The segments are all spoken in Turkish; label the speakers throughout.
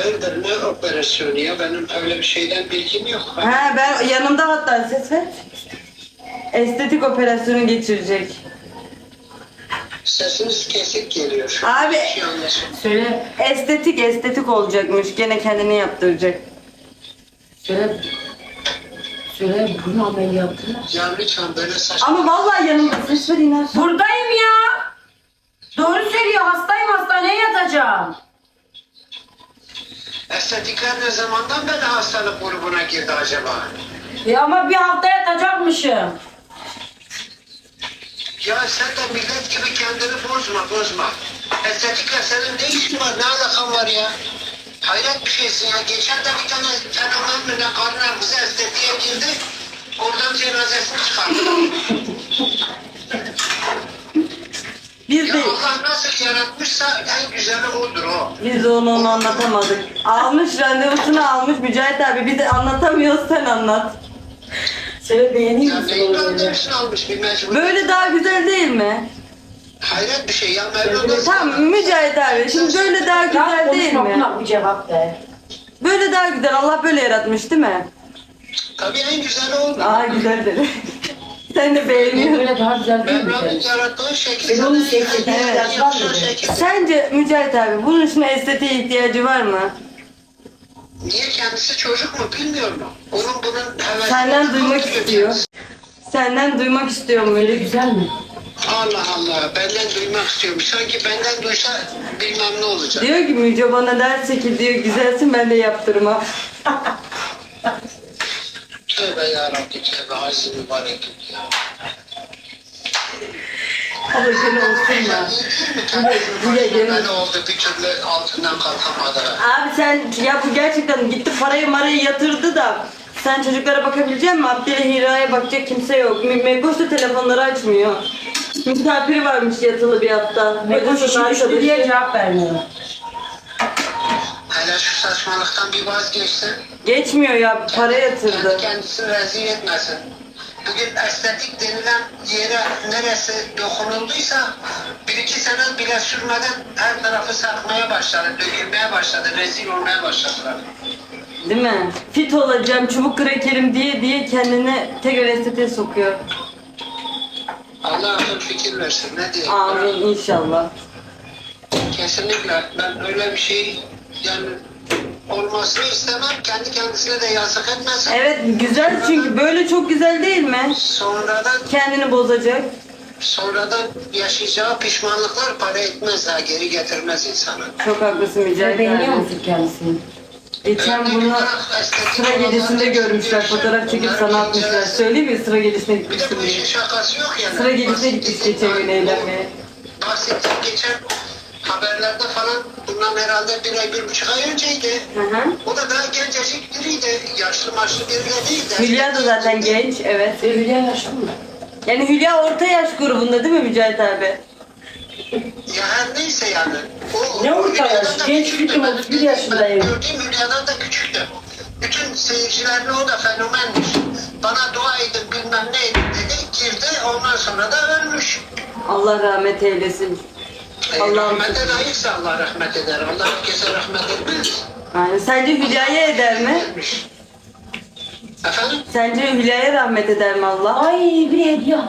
Speaker 1: hayırdır ne operasyonu ya? Benim öyle bir şeyden bilgim yok.
Speaker 2: Ha ben yanımda hatta ses ver. Estetik operasyonu geçirecek.
Speaker 1: Sesiniz kesik geliyor.
Speaker 2: Abi.
Speaker 1: Bir şey anlaşılmıyor.
Speaker 3: Söyle.
Speaker 2: Estetik olacakmış. Gene kendini yaptıracak.
Speaker 3: Söyle. Söyle bunu ameliyatı.
Speaker 1: Ya lütfen böyle saçma.
Speaker 2: Ama vallahi yanımda ses ver iner.
Speaker 3: Buradayım ya. Doğru söylüyor. Hastayım, hastaneye yatacağım.
Speaker 1: Estetikler ne zamandan beri hastalık grubuna girdi acaba?
Speaker 3: Ama bir hafta yatacakmışım.
Speaker 1: Ya sen de millet gibi kendini bozma. Estetikle senin ne işin var, ne alakan var ya? Hayret bir şeysin ya. Geçen de bir tane fenomen mi ne karnına bize estetiğe girdi. Oradan cenazesini çıkardı.
Speaker 2: Biz
Speaker 1: Ya
Speaker 2: de
Speaker 1: Allah nasıl yaratmışsa en güzeli odur o.
Speaker 2: biz de onu anlatamadık. Almış randevusunu almış Mücahit abi. Bir de anlatamıyoruz sen anlat.
Speaker 3: Söyle beğeneyim
Speaker 1: Ya
Speaker 3: misin
Speaker 1: neyin
Speaker 3: onu?
Speaker 1: randevusunu almış bir mecbur.
Speaker 2: Böyle daha güzel değil mi?
Speaker 1: Hayret bir şey ya. Mevlana
Speaker 2: Tamam Mücahit abi. Şimdi böyle daha güzel değil
Speaker 3: Konuşma,
Speaker 2: mi?
Speaker 3: buna bir cevap ver.
Speaker 2: Böyle daha güzel. Allah böyle yaratmış değil mi?
Speaker 1: Tabii en güzeli oldu.
Speaker 2: Aa güzel dedi. Sen de beğeniyorsun.
Speaker 3: Böyle daha güzel değil mi?
Speaker 1: Mevla'nın yarattığı şekil.
Speaker 3: Ben onu
Speaker 1: sana
Speaker 3: seçtim,
Speaker 1: en
Speaker 3: biraz
Speaker 1: yakışan
Speaker 3: var mıydı?
Speaker 1: şekil.
Speaker 2: Sence Mücahit abi bunun için estetiğe ihtiyacı var mı?
Speaker 1: Niye kendisi çocuk mu bilmiyor mu? Onun bunun hevesini
Speaker 2: Senden duymak
Speaker 1: tutuyor
Speaker 2: istiyor.
Speaker 1: kendisi.
Speaker 2: Senden duymak istiyorum
Speaker 3: Böyle
Speaker 2: öyle.
Speaker 3: güzel mi?
Speaker 1: Allah Allah benden duymak istiyormuş. Sanki benden duysa bilmem ne olacak.
Speaker 2: Diyor ki Müce bana derse ki diyor güzelsin ben de yaptırmam.
Speaker 1: Tövbe yarabbim tövbe aziz mübarek ya.
Speaker 2: Abla seni olsun ya.
Speaker 1: Böyle oldu bir türlü altından kalkamadı.
Speaker 2: Abi sen ya bu gerçekten gitti marayı yatırdı da sen çocuklara bakabilecek misin? Abdül'e Hira'ya bakacak kimse yok. Mekoş da telefonları açmıyor. Misafiri varmış yatılı bir hafta.
Speaker 3: Mekoş
Speaker 2: Kocasının
Speaker 3: işi diye cevap vermiyor.
Speaker 1: Hele şu saçmalıktan bir vazgeçsin.
Speaker 2: Geçmiyor ya para yatırdı.
Speaker 1: Kendi kendisini rezil etmesin. Bugün estetik denilen yere neresi dokunulduysa bir iki sene bile sürmeden her tarafı sarkmaya başladı, dökülmeye başladı, rezil olmaya başladılar.
Speaker 2: Değil mi? Fit olacağım, çubuk krakerim diye kendini tekrar estetiğe sokuyor.
Speaker 1: Allah akıl fikir versin, ne diyeyim?
Speaker 2: Amin inşallah.
Speaker 1: Kesinlikle ben öyle bir şey yani olmasını istemem, kendi kendisine de yazık etmesin.
Speaker 2: Evet güzel çünkü böyle çok güzel değil mi? Kendini bozacak.
Speaker 1: Sonradan yaşayacağı pişmanlıklar para etmez ha, geri getirmez insanı.
Speaker 2: Çok haklısın Mücahit
Speaker 3: Beğeniyor
Speaker 2: abi.
Speaker 3: musun kendisini?
Speaker 2: Geçen bunu sıra gecesinde görmüşler, fotoğraf çekip sana atmışlar. Söyleyeyim mi sıra gecesine
Speaker 1: Bir de
Speaker 2: gitmişsin
Speaker 1: bu
Speaker 2: diye.
Speaker 1: işin şakası yok yani.
Speaker 2: Sıra gecesine gitmiş geçen gün eğlenmeye.
Speaker 1: Bahsettiğim geçen haberlerde falan bundan herhalde bir ay, 1,5 ay önceydi.
Speaker 2: Hı hı.
Speaker 1: O da daha gencecik biriydi. Yaşlı maçlı biri de değildi.
Speaker 2: Hülya da zaten genç, evet.
Speaker 3: Hülya yaşlı mı?
Speaker 2: Yani Hülya orta yaş grubunda değil mi Mücahit abi?
Speaker 1: Ya her neyse yani. O,
Speaker 3: Ne
Speaker 1: o
Speaker 3: orta
Speaker 1: Hülya'dan
Speaker 3: yaş?
Speaker 1: da
Speaker 3: Genç
Speaker 1: küçüktü.
Speaker 3: bütün,
Speaker 1: Ben
Speaker 3: 31 yaşındayım.
Speaker 1: Gördüğüm Hülya'dan da küçüktü. Bütün seyircilerine o da fenomenmiş. Bana dua edin bilmem ne edin dedi. Girdi ondan sonra da ölmüş.
Speaker 2: Allah rahmet eylesin. Allah'ım.
Speaker 1: Rahmete layıksa Allah rahmet eder. Allah herkese rahmet etmez.
Speaker 2: Yani sence Hülya'ya eder mi?
Speaker 1: Etmiş. Efendim?
Speaker 2: Sence Hülya'ya rahmet eder mi Allah?
Speaker 3: Ay bir hediye.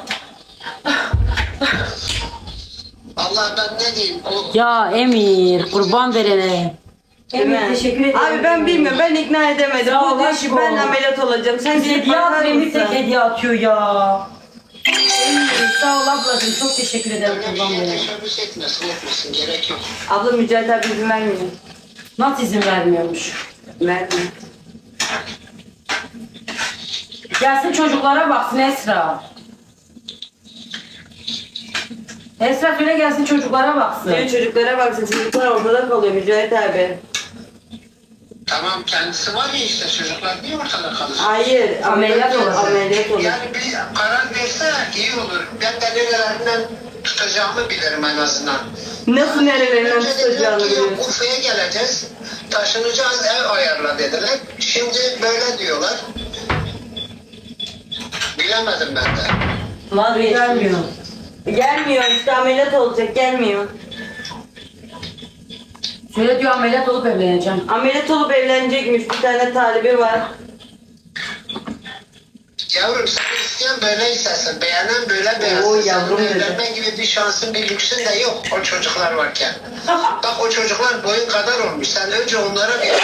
Speaker 1: Allah ben ne diyeyim? O
Speaker 3: Ya Emir kurban verene.
Speaker 2: Değil mi?
Speaker 3: Emir teşekkür ederim.
Speaker 2: Abi ben bilmiyorum, ben ikna edemedim.
Speaker 3: Sağ
Speaker 2: Bu
Speaker 3: ol
Speaker 2: diyor ki
Speaker 3: aşkım.
Speaker 2: ben ameliyat olacağım. Sen
Speaker 3: Bize
Speaker 2: gidip
Speaker 3: hediye
Speaker 2: bakar
Speaker 3: at, Emir tek
Speaker 2: mısın?
Speaker 3: hediye atıyor ya. Emir sağ ol ablacığım, çok teşekkür ederim
Speaker 1: öyle bir
Speaker 3: kurban
Speaker 1: şeye
Speaker 3: verene.
Speaker 1: teşebbüs etmesin gerek yok.
Speaker 2: Abla Mücahit abi izin vermiyor.
Speaker 3: Nasıl izin vermiyormuş?
Speaker 2: Vermiyor.
Speaker 3: Gelsin çocuklara baksın Esra. Esra söyle gelsin çocuklara baksın.
Speaker 2: Diyor çocuklara baksın, çocuklar ortada kalıyor Mücahit abi.
Speaker 1: Tamam kendisi var ya işte çocuklar niye ortada kalır?
Speaker 2: Hayır,
Speaker 3: Ameliyat olur.
Speaker 2: Ameliyat olur.
Speaker 1: Yani bir karar verse iyi olur. Ben de nerelerinden tutacağımı bilirim en azından.
Speaker 2: Nasıl nerelerinden
Speaker 1: Önce dediler
Speaker 2: tutacağını
Speaker 1: ki, yok,
Speaker 2: biliyorsun.
Speaker 1: Urfa'ya geleceğiz. Taşınacağız ev ayarla dediler. Şimdi böyle diyorlar. Bilemedim ben de.
Speaker 2: Vazgeçmiyor.
Speaker 3: Gelmiyor.
Speaker 2: Gelmiyor işte ameliyat olacak, gelmiyor.
Speaker 3: Söyle diyor ameliyat olup evleneceğim.
Speaker 2: Ameliyat olup evlenecekmiş, bir tane talibi var.
Speaker 1: Yavrum sen isteyen böyle istersin. Beğenen böyle beğensin.
Speaker 2: Oo, yavrum
Speaker 1: Senin
Speaker 2: dedi.
Speaker 1: evlenme gibi bir şansın bir lüksün de yok o çocuklar varken. Bak o çocuklar boyun kadar olmuş. Sen önce onlara bir...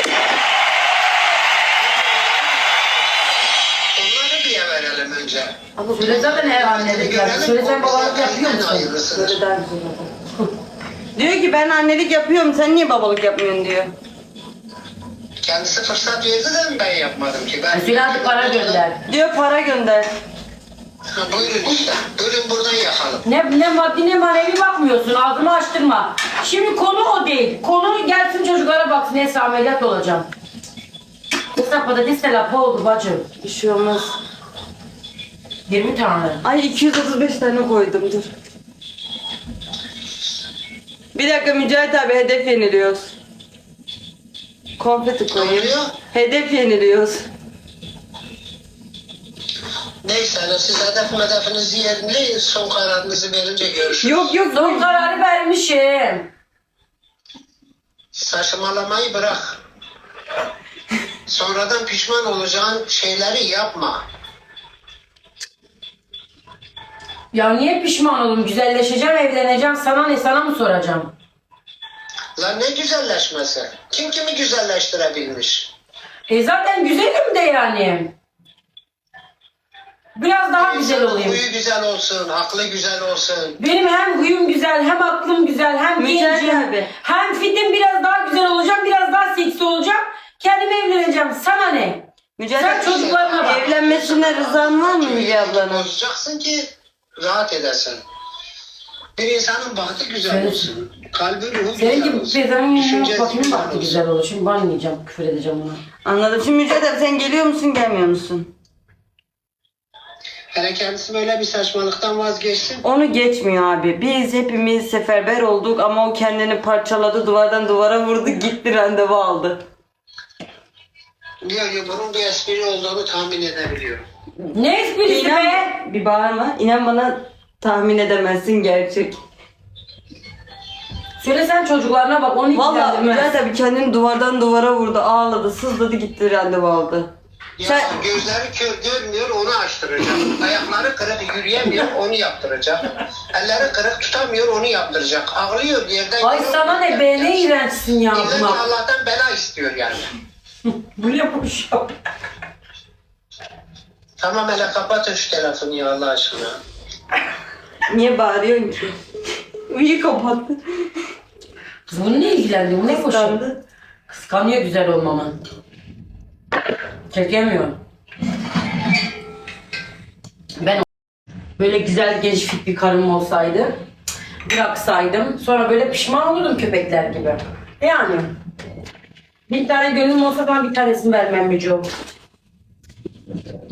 Speaker 1: Onları bir verelim önce.
Speaker 3: Abla söyle zaten her annelik yapıyor. Söyle sen babalık yapıyor musun?
Speaker 1: Hayırlısıdır.
Speaker 3: Söyle daha güzel olur.
Speaker 2: Diyor ki ben annelik yapıyorum, sen niye babalık yapmıyorsun diyor.
Speaker 1: Kendisi fırsat verdi de mi ben yapmadım ki? Ben...
Speaker 3: Söyle hadi para gönder.
Speaker 2: Diyor para gönder.
Speaker 1: Ha, buyurun işte. Buyurun buradan yakalım.
Speaker 3: Ne maddi ne manevi bakmıyorsun. Ağzımı açtırma. Şimdi konu o değil. Konu gelsin çocuklara baksın. Neyse ameliyat olacağım. Kısa patates de lapa oldu bacım.
Speaker 2: Bir şey olmaz.
Speaker 3: 20 tane.
Speaker 2: Ay 235 tane koydum, dur. Bir dakika Mücahit abi, hedef yeniliyoruz. Konfeti
Speaker 1: Ne
Speaker 2: koyayım.
Speaker 1: oluyor?
Speaker 2: Hedef yeniliyoruz.
Speaker 1: Neyse hani siz hedefinizi yerine son kararınızı verince görüşürüz.
Speaker 2: Yok yok
Speaker 3: Son kararı vermişim.
Speaker 1: Saçmalamayı bırak. Sonradan pişman olacağın şeyleri yapma.
Speaker 3: Ya niye pişman oldum? Güzelleşeceğim, evleneceğim. Sana ne? Sana mı soracağım?
Speaker 1: Lan ne güzelleşmesi? Kim kimi güzelleştirebilmiş?
Speaker 3: Zaten güzelim de yani. Biraz daha güzel
Speaker 1: İnsanın
Speaker 3: olayım.
Speaker 1: Huyu güzel olsun, aklı güzel olsun.
Speaker 3: Benim hem huyum güzel, hem aklım güzel, hem
Speaker 2: Mücahit
Speaker 3: gencim,
Speaker 2: abi.
Speaker 3: hem fitim biraz daha güzel olacağım, biraz daha seksi olacağım. Kendime evleneceğim. Sana ne?
Speaker 2: Mücahit
Speaker 3: Sen
Speaker 2: abi,
Speaker 3: çocuklarına bak.
Speaker 2: evlenmesine rızan var mı Müge ablanın?
Speaker 1: Bozacaksın ki rahat edesin. Bir insanın bahtı güzel
Speaker 3: Senin-
Speaker 1: olsun. Kalbi ruhu
Speaker 3: Senin
Speaker 1: güzel
Speaker 3: gibi
Speaker 1: olsun.
Speaker 3: bezenin
Speaker 1: Düşüncesi
Speaker 3: bakayım
Speaker 1: güzel
Speaker 3: baktı
Speaker 1: olsun.
Speaker 3: güzel olur. Şimdi banlayacağım, küfür edeceğim ona.
Speaker 2: Anladım. Şimdi Mücahit abi sen geliyor musun, gelmiyor musun?
Speaker 1: Hele kendisi böyle bir saçmalıktan vazgeçsin.
Speaker 2: Onu geçmiyor abi. Biz hepimiz seferber olduk ama o kendini parçaladı, duvardan duvara vurdu, gitti randevu aldı.
Speaker 1: Diyor ki bunun bir espri olduğunu tahmin edebiliyorum.
Speaker 3: Ne esprisi be?
Speaker 2: İnan, bir bağırma. İnan bana, tahmin edemezsin gerçek.
Speaker 3: Söyle sen çocuklarına bak, onu
Speaker 2: Vallahi
Speaker 3: ilgilendirmez.
Speaker 2: Mücahit abi kendini duvardan duvara vurdu, ağladı, sızladı, gitti randevu aldı.
Speaker 1: Ya
Speaker 2: Sen-
Speaker 1: gözleri kör görmüyor onu açtıracak. Ayakları kırık yürüyemiyor onu yaptıracak. Elleri kırık tutamıyor onu yaptıracak. Ağlıyor yerden.
Speaker 3: Ay
Speaker 1: yürüyor,
Speaker 3: sana ne be, ne iğrençsin ya
Speaker 1: İlla ki
Speaker 3: buna.
Speaker 1: Allah'tan bela istiyor yani.
Speaker 3: Bu ne bu şey?
Speaker 1: Tamam hele kapatın şu telefonu ya Allah aşkına.
Speaker 2: Niye bağırıyorsun ki? İyi kapattı.
Speaker 3: Kız bunu ne ilgilendi? Bu ne koşu?
Speaker 2: Kıskandı.
Speaker 3: Kıskanıyor güzel olmamı. Çekemiyor. Ben böyle güzel genç fit bir karım olsaydı, bıraksaydım, sonra böyle pişman olurdum köpekler gibi. Yani bir tane gönlüm olsa ben bir tanesini vermem Müco.